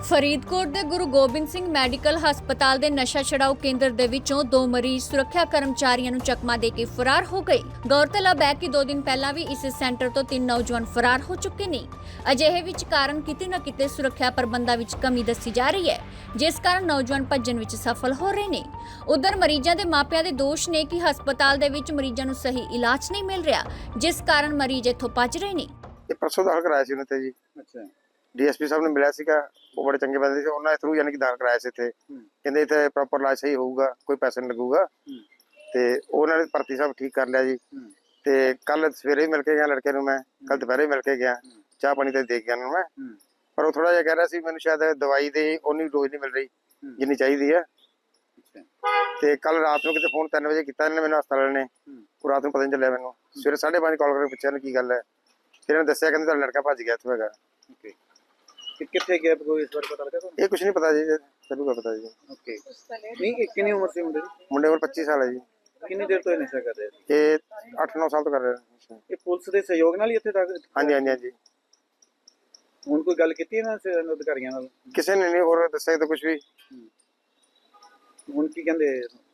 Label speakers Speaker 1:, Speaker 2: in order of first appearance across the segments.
Speaker 1: ਫਰੀਦਕੋਟ ਦੇ ਗੁਰੂ ਗੋਬਿੰਦ ਸਿੰਘ ਮੈਡੀਕਲ ਹਸਪਤਾਲ ਦੇ ਨਸ਼ਾ ਛਡਾਊ ਕੇਂਦਰ ਦੇ ਵਿੱਚੋਂ 2 ਮਰੀਜ਼ ਸੁਰੱਖਿਆ ਕਰਮਚਾਰੀਆਂ ਨੂੰ ਚਕਮਾ ਦੇ ਕੇ ਫਰਾਰ ਹੋ ਗਏ। ਗੌਰਤਲਬ ਹੈ ਕਿ 2 ਦਿਨ ਪਹਿਲਾਂ ਵੀ ਇਸ ਸੈਂਟਰ ਤੋਂ 3 ਨੌਜਵਾਨ ਫਰਾਰ ਹੋ ਚੁੱਕੇ ਨੇ। ਅਜਿਹੇ ਵਿੱਚ ਕਾਰਨ ਕਿਤੇ ਨਾ ਕਿਤੇ ਸੁਰੱਖਿਆ ਪ੍ਰਬੰਧਾਂ ਵਿੱਚ ਕਮੀ ਦੱਸੀ ਜਾ ਰਹੀ ਹੈ, ਜਿਸ ਕਾਰਨ ਨੌਜਵਾਨ ਭੱਜਣ ਵਿੱਚ ਸਫਲ ਹੋ ਰਹੇ ਨੇ। ਉਧਰ ਮਰੀਜ਼ਾਂ ਦੇ ਮਾਪਿਆਂ ਦੇ ਦੋਸ਼ ਨੇ ਕਿ ਹਸਪਤਾਲ ਦੇ ਵਿੱਚ ਮਰੀਜ਼ਾਂ ਨੂੰ ਸਹੀ ਇਲਾਜ ਨਹੀਂ ਮਿਲ ਰਿਹਾ, ਜਿਸ ਕਾਰਨ ਮਰੀਜ਼ ਇੱਥੋਂ ਭੱਜ ਰਹੇ ਨੇ।
Speaker 2: ਇਹ ਪਰਸੋਂ ਦਾਖਲ ਕਰਾਇਆ ਸੀ ਉਹਨੇ ਤੇ ਜੀ।
Speaker 3: ਅੱਛਾ
Speaker 2: ਡੀਐਸਪੀ ਸਾਹਿਬ ਨੇ ਮਿਲਿਆ ਸੀਗਾ, ਉਹ ਬੜੇ ਚੰਗੇ ਬੰਦੇ ਸੀ, ਉਹਨਾਂ ਦੇ ਥਰੂ ਯਾਨੀ ਕਿ ਦਾਖਲ ਕਰਾਇਆ ਸੀ ਇੱਥੇ। ਕਹਿੰਦੇ ਇੱਥੇ ਪ੍ਰੋਪਰ ਇਲਾਜ ਸਹੀ ਹੋਊਗਾ, ਕੋਈ ਪੈਸਾ ਨਹੀਂ ਲੱਗੂਗਾ। ਤੇ ਉਹਨਾਂ ਨੇ ਭਰਤੀ ਸਾਹਿਬ ਠੀਕ ਕਰ ਲਿਆ ਜੀ। ਤੇ ਕੱਲ ਸਵੇਰੇ ਹੀ ਮਿਲ ਕੇ ਗਿਆ ਲੜਕੇ ਨੂੰ, ਮੈਂ ਕੱਲ ਦੁਪਹਿਰੇ ਮਿਲ ਕੇ ਗਿਆ, ਚਾਹ ਪਾਣੀ ਤੇ ਦੇ ਗਿਆ ਉਹਨੂੰ ਮੈਂ। ਪਰ ਉਹ ਥੋੜਾ ਜਿਹਾ ਕਹਿ ਰਿਹਾ ਸੀ ਮੈਨੂੰ ਸ਼ਾਇਦ ਦਵਾਈ ਦੀ ਉਨੀ ਡੋਜ਼ ਨਹੀਂ ਮਿਲ ਰਹੀ ਜਿੰਨੀ ਚਾਹੀਦੀ ਹੈ। ਤੇ ਕੱਲ ਰਾਤ ਨੂੰ ਕਿਤੇ ਫੋਨ 3 ਵਜੇ ਕੀਤਾ ਇਹਨੇ ਮੈਨੂੰ, ਹਸਪਤਾਲ ਨੇ। ਉਹ ਰਾਤ ਨੂੰ ਪਤਾ ਨਹੀਂ ਚੱਲਿਆ ਮੈਨੂੰ। ਸਵੇਰੇ 5:30 ਕਾਲ ਕਰਕੇ ਪੁੱਛਿਆ ਕੀ ਗੱਲ ਹੈ, ਫਿਰ ਇਹਨੇ ਦੱਸਿਆ ਕਹਿੰਦੇ ਤੁਹਾਡਾ ਲੜਕਾ ਭੱਜ ਗਿਆ ਇੱਥੋਂ ਹੈਗਾ।
Speaker 3: ਕਿੱਥੇ ਗਿਆ ਕੋਈ ਇਸ ਬਾਰੇ ਪਤਾ ਲੱਗਾ ਤੁਹਾਨੂੰ?
Speaker 2: ਇਹ ਕੁਝ ਨਹੀਂ ਪਤਾ ਜੀ, ਚੱਲੂਗਾ ਪਤਾ ਜੀ।
Speaker 3: ਓਕੇ ਨਹੀਂ, ਕਿੰਨੀ ਉਮਰ ਸੀ ਮੁੰਡੇ ਦੀ?
Speaker 2: ਮੁੰਡੇ ਕੋਲ 25 ਸਾਲ ਹੈ ਜੀ।
Speaker 3: ਕਿੰਨੀ ਦੇਰ ਤੋਂ ਇਹ ਨਸ਼ਾ ਕਰ ਰਿਹਾ ਸੀ?
Speaker 2: ਇਹ 8-9 ਸਾਲ ਤੋਂ ਕਰ ਰਿਹਾ।
Speaker 3: ਇਹ ਪੁਲਿਸ ਦੇ ਸਹਿਯੋਗ ਨਾਲ ਹੀ ਇੱਥੇ ਤੱਕ?
Speaker 2: ਹਾਂਜੀ ਹਾਂਜੀ ਹਾਂਜੀ।
Speaker 3: ਹੁਣ ਕੋਈ ਗੱਲ ਕੀਤੀ ਇਹਨਾਂ ਅਧਿਕਾਰੀਆਂ ਨਾਲ?
Speaker 2: ਕਿਸੇ ਨੇ ਨਹੀਂ ਹੋਰ ਦੱਸਿਆ ਤਾਂ ਕੁਝ ਵੀ।
Speaker 3: ਹੁਣ ਕੀ ਕਹਿੰਦੇ?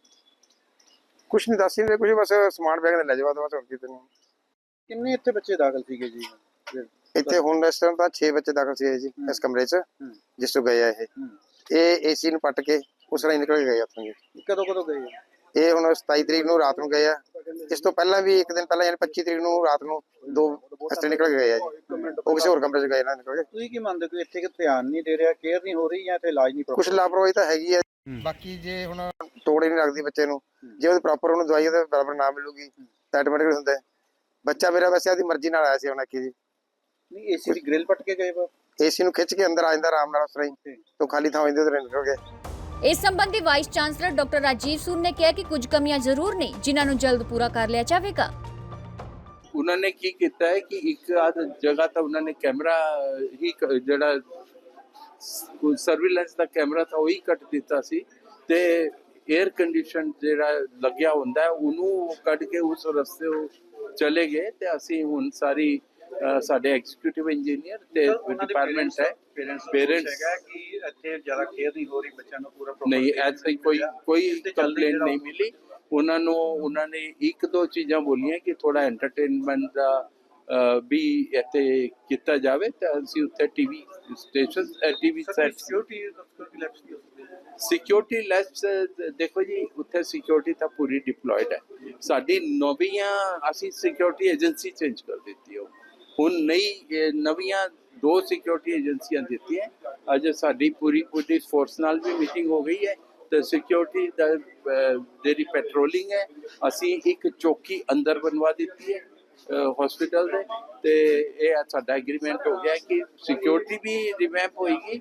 Speaker 2: ਕੁਝ ਨਹੀਂ ਦੱਸ ਹੀ ਨਹੀਂ ਕੁਝ, ਬਸ ਸਮਾਨ ਬੈਗ ਨੇ ਲੈ ਜਾਵਾ ਤਾਂ ਬਸ, ਹੋਰ ਕਿਤੇ ਨਹੀਂ।
Speaker 3: ਕਿੰਨੇ ਇੱਥੇ ਬੱਚੇ ਦਾਖਲ ਸੀਗੇ ਜੀ?
Speaker 2: ਇੱਥੇ ਹੁਣ ਇਸ ਟਾਈਮ ਤਾਂ 6 ਬੱਚੇ ਦਾਖਲ ਸੀ ਜੀ ਇਸ ਕਮਰੇ 'ਚ, ਜਿਸ ਤੋਂ ਗਏ ਆ ਇਹ ਏਸੀ ਨੂੰ ਪੱਟ ਕੇ ਉਸ ਰਾਹੀਂ ਨਿਕਲ ਕੇ ਗਏ ਉੱਥੋਂ ਜੀ।
Speaker 3: ਕਦੋਂ ਗਏ?
Speaker 2: ਇਹ ਹੁਣ 27 ਤਰੀਕ ਨੂੰ ਰਾਤ ਨੂੰ ਗਏ ਆ। ਇਸ ਤੋਂ ਪਹਿਲਾਂ ਵੀ ਇੱਕ ਦਿਨ ਪਹਿਲਾਂ ਯਾਨੀ 25 ਤਰੀਕ ਨੂੰ ਰਾਤ ਨੂੰ 2 ਅਸਟੇ ਨਿਕਲ ਕੇ ਗਏ ਆ ਜੀ। ਉਹ ਕਿਸੇ ਹੋਰ ਕਮਰੇ 'ਚ ਗਏ ਨਾ ਨਿਕਲ ਕੇ।
Speaker 3: ਤੁਸੀਂ ਕੀ ਮੰਨਦੇ ਕਿ ਇੱਥੇ ਕਿ ਧਿਆਨ ਨਹੀਂ ਦੇ ਰਿਹਾ, ਕੇਅਰ ਨਹੀਂ ਹੋ ਰਹੀ, ਜਾਂ ਇੱਥੇ ਇਲਾਜ ਨਹੀਂ?
Speaker 2: ਕੁਝ ਲਾਪਰਵਾਹੀ ਤਾਂ ਹੈਗੀ ਹੈ। ਬਾਕੀ ਜੇ ਹੁਣ ਤੋੜ ਹੀ ਨਹੀਂ ਲੱਗਦੀ ਬੱਚੇ ਨੂੰ, ਜੇ ਉਹਦੀ ਪ੍ਰੋਪਰ ਉਹਨੂੰ ਦਵਾਈ ਉਹਦੇ ਬਰਾਬਰ ਨਾ ਮਿਲੂਗੀ ਤਾਂ ਆਟੋਮੈਟਿਕਲੀ ਹੁੰਦਾ। ਬੱਚਾ ਮੇਰਾ ਵੈਸੇ ਆਪਦੀ ਮਰਜ਼ੀ ਨਾਲ ਆਇਆ ਸੀ ਹੁਣ ਕੀ ਜੀ।
Speaker 3: ਨਹੀਂ, ਏਸੀ ਦੀ ਗ੍ਰਿਲ ਪੱਟ ਕੇ ਗਏ ਵਾ?
Speaker 2: ਏਸੀ ਨੂੰ ਖਿੱਚ ਕੇ ਅੰਦਰ ਆ ਜਾਂਦਾ ਆਰਾਮ ਨਾਲ, ਉਸ ਤਰ੍ਹਾਂ ਤੋਂ ਖਾਲੀ ਥਾਂ ਹੁੰਦੀ ਉਹਦੇ ਨਿਕਲ ਗਏ।
Speaker 1: ਇਸ ਸੰਬੰਧੀ vice chancellor doctor Rajiv Sood ਨੇ ਕਿਹਾ ਕਿ ਕੁਝ ਕਮੀਆਂ ਜ਼ਰੂਰ ਨੇ, ਜਿਨ੍ਹਾਂ ਨੂੰ ਜਲਦ ਪੂਰਾ ਕਰ ਲਿਆ ਜਾਵੇਗਾ।
Speaker 4: उन्होंने की किया है कि एक आध जगह तो उन्होंने कैमरा ही जड़ा सर्विलेंस का कैमरा था वही कट दिता सी ते एयर कंडीशन जड़ा लग्या हुंदा है उन्होंने कट के उस रस्ते चले गए ते असी हुण सारी साडे एग्जीक्यूटिव इंजीनियर ते डिपार्टमेंट है पेरेंट्स
Speaker 3: कि ਇੱਥੇ ਜ਼ਿਆਦਾ ਕੇਅਰ ਨਹੀਂ ਹੋ ਰਹੀ ਬੱਚਿਆਂ ਨੂੰ ਪੂਰਾ?
Speaker 4: नहीं ऐसी कोई कंप्लेंट नहीं मिली। उन्होंने 1-2 चीज़ां बोलियां कि थोड़ा एंटरटेनमेंट का भी इत्थे किया जाए तो असीं उत्थे TV station TV set security labs देखो जी उत्थे सिक्योरिटी तो पूरी डिप्लॉयड है। साडी नवीं असीं सिक्योरिटी एजेंसी चेंज कर दी हो, हुण नई नवीं 2 सिक्योरिटी एजेंसियां दी हैं। अज साडी पूरी पुलिस फोर्स नाल भी मीटिंग हो गई है तो सिक्योरिटी ਜਿਹੜੀ ਪੈਟਰੋਲਿੰਗ ਹੈ ਅਸੀਂ ਇੱਕ ਚੌਕੀ ਅੰਦਰ ਬਣਵਾ ਦਿੱਤੀ ਹੈ ਹਸਪੀਟਲ ਦੇ ਤੇ ਇਹ ਸਾਡਾ ਐਗਰੀਮੈਂਟ ਹੋ ਗਿਆ ਕਿ ਸਿਕਿਉਰਿਟੀ ਵੀ ਰਿਵੈਂਪ ਹੋਏਗੀ,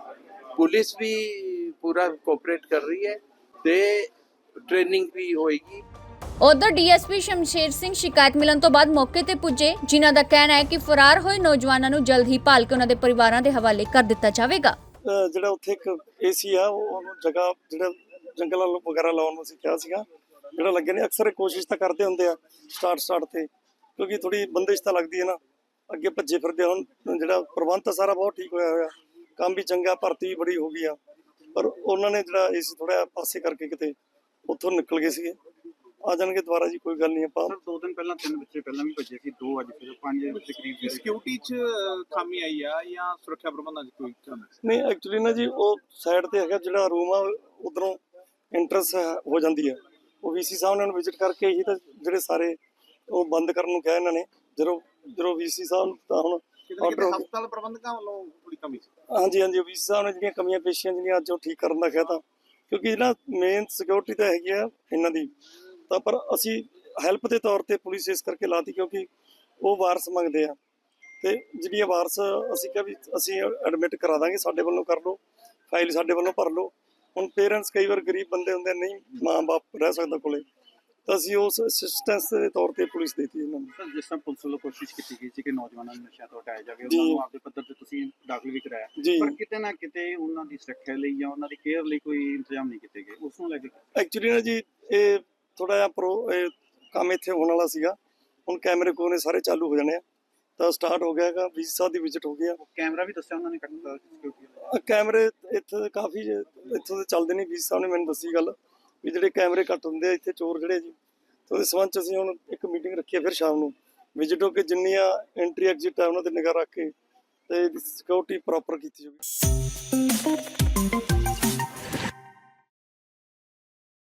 Speaker 4: ਪੁਲਿਸ ਵੀ ਪੂਰਾ ਕੋਆਪਰੇਟ ਕਰ ਰਹੀ ਹੈ ਤੇ ਟ੍ਰੇਨਿੰਗ ਵੀ ਹੋਏਗੀ।
Speaker 1: ਉਧਰ ਡੀਐਸਪੀ ਸ਼ਮਸ਼ੇਰ ਸਿੰਘ ਸ਼ਿਕਾਇਤ ਮਿਲਣ ਤੋਂ ਬਾਅਦ ਮੌਕੇ ਤੇ ਪੁੱਜੇ, ਜਿਨ੍ਹਾਂ ਦਾ ਕਹਿਣਾ ਹੈ ਕਿ ਫਰਾਰ ਹੋਏ ਨੌਜਵਾਨਾਂ ਨੂੰ ਜਲਦ ਹੀ ਭਾਲ ਕੇ ਉਹਨਾਂ ਦੇ ਪਰਿਵਾਰਾਂ ਦੇ ਹਵਾਲੇ ਕਰ ਦਿੱਤਾ ਜਾਵੇਗਾ।
Speaker 5: ਜਿਹੜਾ ਉੱਥੇ ਇੱਕ ਏਸੀ ਆ ਉਹਨੂੰ ਜਗ੍ਹਾ ਜਿਹੜਾ ਜੰਗਲ ਵਗੈਰਾ ਲਾਉਣ ਨੂੰ ਅਸੀਂ ਕਿਹਾ ਸੀਗਾ, ਜਿਹੜਾ ਲੱਗੇ ਨੇ ਅਕਸਰ ਕੋਸ਼ਿਸ਼ ਤਾਂ ਕਰਦੇ ਹੁੰਦੇ ਆ ਸਟਾਰਟ ਤੇ, ਕਿਉਂਕਿ ਥੋੜੀ ਬੰਦਿਸ਼ ਤਾਂ ਲੱਗਦੀ ਹੈ ਨਾ, ਅੱਗੇ ਭੱਜੇ ਫਿਰਦੇ। ਹੁਣ ਜਿਹੜਾ ਪ੍ਰਬੰਧ ਤਾਂ ਸਾਰਾ ਬਹੁਤ ਠੀਕ ਹੋਇਆ, ਕੰਮ ਵੀ ਚੰਗਾ, ਭਰਤੀ ਵੀ ਬੜੀ ਹੋ ਗਈ ਆ, ਪਰ ਉਹਨਾਂ ਨੇ ਜਿਹੜਾ ਏਸੀ ਥੋੜਾ ਪਾਸੇ ਕਰਕੇ ਕਿਤੇ ਉੱਥੋਂ ਨਿਕਲ ਗਏ ਸੀਗੇ। ਆ ਜਾਣਗੇ ਦੁਬਾਰਾ ਜੀ, ਕੋਈ ਗੱਲ ਨਹੀਂ। ਆਪਾਂ
Speaker 3: 2 ਦਿਨ ਪਹਿਲਾਂ 3 ਬੱਚੇ ਪਹਿਲਾਂ ਵੀ ਭੱਜੇ ਸੀ, 2 ਅੱਜ ਫਿਰ 5 ਬੱਚੇ ਕਰੀਬ। ਸਿਕਿਉਰਿਟੀ 'ਚ ਖਾਮੀ ਆਈ ਆ ਜਾਂ ਸੁਰੱਖਿਆ ਪ੍ਰਬੰਧਾਂ 'ਚ ਕੋਈ ਕਮੀ?
Speaker 5: ਨਹੀਂ, ਐਕਚੁਅਲੀ ਨਾ ਜੀ ਉਹ ਸਾਈਡ ਤੇ ਹੈਗਾ ਜਿਹੜਾ ਰੂਮ ਆ, ਉਧਰੋਂ ਐਂਟਰੈਂਸ ਹੋ ਜਾਂਦੀ ਹੈ। ਉਹ ਵੀਸੀ ਸਾਹਿਬ ਨੇ ਵਿਜ਼ਿਟ ਕਰਕੇ ਹੀ ਤਾਂ ਜਿਹੜੇ ਸਾਰੇ ਉਹ ਬੰਦ ਕਰਨ ਨੂੰ ਕਿਹਾ ਇਹਨਾਂ ਨੇ। ਜਦੋਂ ਵੀਸੀ ਸਾਹਿਬ ਤਾਂ ਹੁਣ
Speaker 3: ਹਸਪਤਾਲ ਪ੍ਰਬੰਧਕਾਂ ਵੱਲੋਂ ਥੋੜੀ ਕਮੀ ਸੀ।
Speaker 5: ਹਾਂਜੀ ਵੀਸੀ ਸਾਹਿਬ ਨੇ ਜਿਹੜੀਆਂ ਕਮੀਆਂ ਪੇਸ਼ੀਆਂ ਜਿਹੜੀਆਂ ਅੱਜ ਉਹ ਠੀਕ ਕਰਨ ਦਾ ਕਿਹਾ ਤਾਂ, ਕਿਉਂਕਿ ਨਾ ਮੇਨ ਸਿਕਿਉਰਿਟੀ ਤਾਂ ਹੈਗੀ ਆ ਇਹਨਾਂ ਦੀ ਤਾਂ, ਪਰ ਅਸੀਂ ਹੈਲਪ ਦੇ ਤੌਰ ਤੇ ਪੁਲਿਸ ਇਸ ਕਰਕੇ ਲਾਤੀ ਕਿਉਂਕਿ ਉਹ ਵਾਰਸ ਮੰਗਦੇ ਆ ਤੇ ਜਿਹੜੀਆਂ ਵਾਰਸ ਅਸੀਂ ਕਿਹਾ ਵੀ ਅਸੀਂ ਐਡਮਿਟ ਕਰਾ ਦਾਂਗੇ, ਸਾਡੇ ਵੱਲੋਂ ਕਰ ਲਓ, ਫਾਈਲ ਸਾਡੇ ਵੱਲੋਂ ਭਰ ਲਓ। ਹੁਣ ਪੇਰੈਂਟਸ ਕਈ ਵਾਰ ਗਰੀਬ ਬੰਦੇ ਹੁੰਦੇ, ਨਹੀਂ ਮਾਂ ਬਾਪ ਰਹਿ ਸਕਦਾ ਕੋਲੇ, ਤਾਂ ਅਸੀਂ ਉਸ ਅਸਿਸਟੈਂਸ ਦੇ ਤੌਰ ਤੇ ਪੁਲਿਸ ਦੇਤੀ ਇਹਨਾਂ ਨੂੰ।
Speaker 3: ਸਰ, ਜਿਸ ਤਰ੍ਹਾਂ ਪੁਲਿਸ ਵੱਲੋਂ ਕੋਸ਼ਿਸ਼ ਕੀਤੀ ਗਈ ਸੀ ਕਿ ਨੌਜਵਾਨਾਂ ਨੂੰ ਨਸ਼ਾ ਤੋਂ ਹਟਾਇਆ ਜਾਵੇ, ਉਹਨਾਂ ਨੂੰ ਆਪਦੇ ਪੱਧਰ ਤੇ ਤੁਸੀਂ ਦਾਖਲ ਵੀ ਕਰਾਇਆ, ਪਰ ਕਿਤੇ ਨਾ ਕਿਤੇ ਉਹਨਾਂ ਦੀ ਸੁਰੱਖਿਆ ਲਈ ਜਾਂ ਉਹਨਾਂ ਦੀ ਕੇਅਰ ਲਈ ਕੋਈ ਇੰਤਜ਼ਾਮ ਨਹੀਂ ਕੀਤੇ ਗਏ, ਉਸ ਨੂੰ ਲੈ ਕੇ?
Speaker 5: ਐਕਚੁਅਲੀ ਨਾ ਜੀ ਇਹ ਥੋੜਾ ਜਿਹਾ ਕੰਮ ਇੱਥੇ ਹੋਣ ਵਾਲਾ ਸੀਗਾ। ਹੁਣ ਕੈਮਰੇ ਕੋਨੇ ਸਾਰੇ ਚਾਲੂ ਹੋ ਜਾਣੇ ਆ, ਤਾਂ ਸਟਾਰਟ ਹੋ ਗਿਆ ਹੈਗਾ। ਵੀਸੀ ਸਾਹਿਬ ਦੀ ਵਿਜ਼ਿਟ ਹੋ ਗਿਆ।
Speaker 3: ਕੈਮਰਾ ਵੀ ਦੱਸਿਆ ਉਹਨਾਂ ਨੇ ਕੱਟਦਾ ਸਿਕਿਉਰਿਟੀ
Speaker 5: ਕੈਮਰੇ ਇੱਥੇ ਕਾਫੀ ਇੱਥੋਂ ਦੇ ਚੱਲਦੇ ਨਹੀਂ। ਵੀਸੀ ਸਾਹਿਬ ਨੇ ਮੈਨੂੰ ਦੱਸੀ ਗੱਲ ਵੀ ਜਿਹੜੇ ਕੈਮਰੇ ਕੱਟ ਹੁੰਦੇ ਆ ਇੱਥੇ ਚੋਰ ਜਿਹੜੇ ਜੀ, ਤੇ ਉਹਦੇ ਸੰਬੰਧ 'ਚ ਅਸੀਂ ਹੁਣ ਇੱਕ ਮੀਟਿੰਗ ਰੱਖੀ ਹੈ ਫਿਰ ਸ਼ਾਮ ਨੂੰ ਵਿਜ਼ਿਟ ਹੋ ਕੇ ਜਿੰਨੀਆਂ ਐਂਟਰੀ ਐਗਜ਼ਿਟ ਆ ਉਹਨਾਂ ਤੇ ਨਿਗਾਹ ਰੱਖ ਕੇ ਤੇ ਸਿਕਿਉਰਿਟੀ ਪ੍ਰੋਪਰ ਕੀਤੀ ਜਾਊਗੀ।